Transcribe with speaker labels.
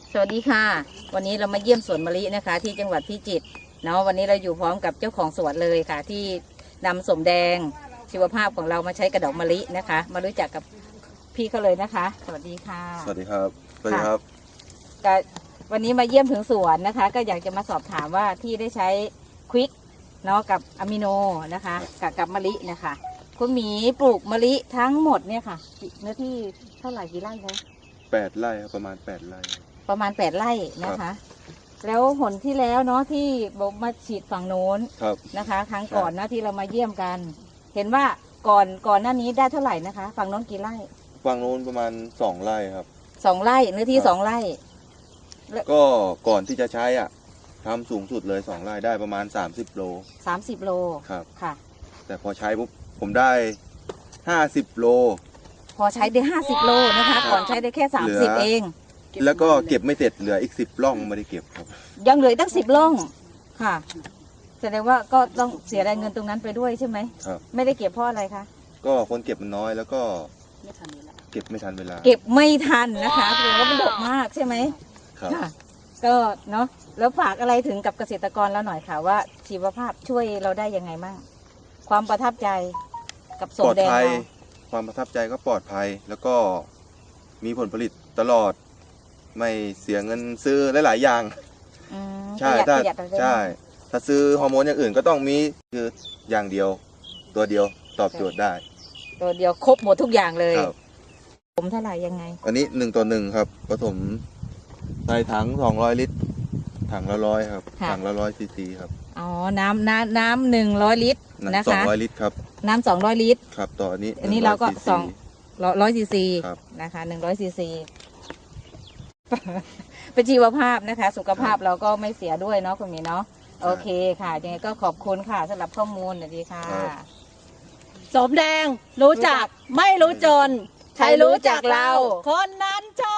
Speaker 1: สวัสดีค่ะวันนี้เรามาเยี่ยมสวนมะลินะคะที่จังหวัดพิจิตรเนาะวันนี้เราอยู่พร้อมกับเจ้าของสวนเลยค่ะที่นำสมแดงชีวภาพของเรามาใช้กระดอกมะลินะคะมารู้จักกับพี่เขาเลยนะคะสวัสดีค่ะ
Speaker 2: สวัสดีครับสวัสดีครับ
Speaker 1: ก็วันนี้มาเยี่ยมถึงสวนนะคะก็อยากจะมาสอบถามว่าที่ได้ใช้ควิกเนาะกับอะมิโนนะคะกับมะลินะคะคุณหมีปลูกมะลิทั้งหมดเนี่ยค่ะเนื้อที่เท่าไหร่กี่ไร่คะ
Speaker 2: 8 ไร่ครับประมาณ8 ไร่
Speaker 1: ประมาณ8 ไร่นะคะแล้วผลที่แล้วเนาะที่บอกมาฉีดฝั่งโน้นนะคะครั้งก่อนนะที่เรามาเยี่ยมกัน เห็นว่าก่อนหน้านี้ได้เท่าไหร่นะคะฝั่งโน้นกี่ไร่
Speaker 2: ฝั่งโน้นประมาณ2 ไร่ครับ
Speaker 1: 2 ไร่เนื้อที่2 ไร่
Speaker 2: ก็ก่อนที่จะใช้อ่ะทำสูงสุดเลย2 ไร่ได้ประมาณ30 โล
Speaker 1: 30 โล
Speaker 2: ครับ
Speaker 1: ค่ะ
Speaker 2: แต่พอใช้ปุ๊บผมได้50 โล
Speaker 1: พอใช้ได้50 โลนะคะก่อนใช้ได้แค่30เอง
Speaker 2: แล้วก็เก็บไม่เสร็จเหลืออีก10 ร่องไม่ได้เก็บครับ
Speaker 1: ยังเหลือตั้ง10 ร่องค่ะแสดงว่าก็ต้องเสียรายเงินตรงนั้นไปด้วยใช่ไหม
Speaker 2: ครับ
Speaker 1: ไม่ได้เก็บเพราะอะไรคะ
Speaker 2: ก็คนเก็บมันน้อยแล้วก็เก็บไม่ทันเวลา
Speaker 1: เก็บไม่ทันนะคะแสดงว่ามันดกมากใช่ไหม
Speaker 2: ครับ
Speaker 1: ก็เนาะแล้วฝากอะไรถึงกับเกษตรกรเราหน่อยค่ะว่าชีวภาพช่วยเราได้ยังไงบ้างความประทับใจกับสมแดงเรา
Speaker 2: ความประทับใจก็ปลอดภัยแล้วก็มีผลผลิตตลอดไม่เสียเงินซื้อหลายๆอย่างใช่ถ้าซื้อฮอร์โมนอย่างอื่นก็ต้องมีคืออย่างเดียวตัวเดียวตอบโจทย์ได้
Speaker 1: ตัวเดียวครบหมดทุกอย่างเลยผมเท่าไหร่ยังไง
Speaker 2: อันนี้1:1ครับผสมใส่ถัง200 ลิตรถังละ100ครับถังละ100 ซีซีครับ
Speaker 1: อ๋อน้ำ100 ลิตรนะคะ
Speaker 2: 200 ลิตรครับ
Speaker 1: น้ำ200 ลิตร
Speaker 2: ครับต่ออัน
Speaker 1: นี้เราก็200 ซีซีนะคะ100 ซีซีเป็นชีวภาพนะคะสุขภาพเราก็ไม่เสียด้วยเนาะคุณหมีเนาะโอเคค่ะยังไงก็ขอบคุณค่ะสำหรับข้อมูลสวัสดีค่ะ
Speaker 3: สมแดงรู้จักไม่รู้จนใครรู้จักเราคนนั้นจน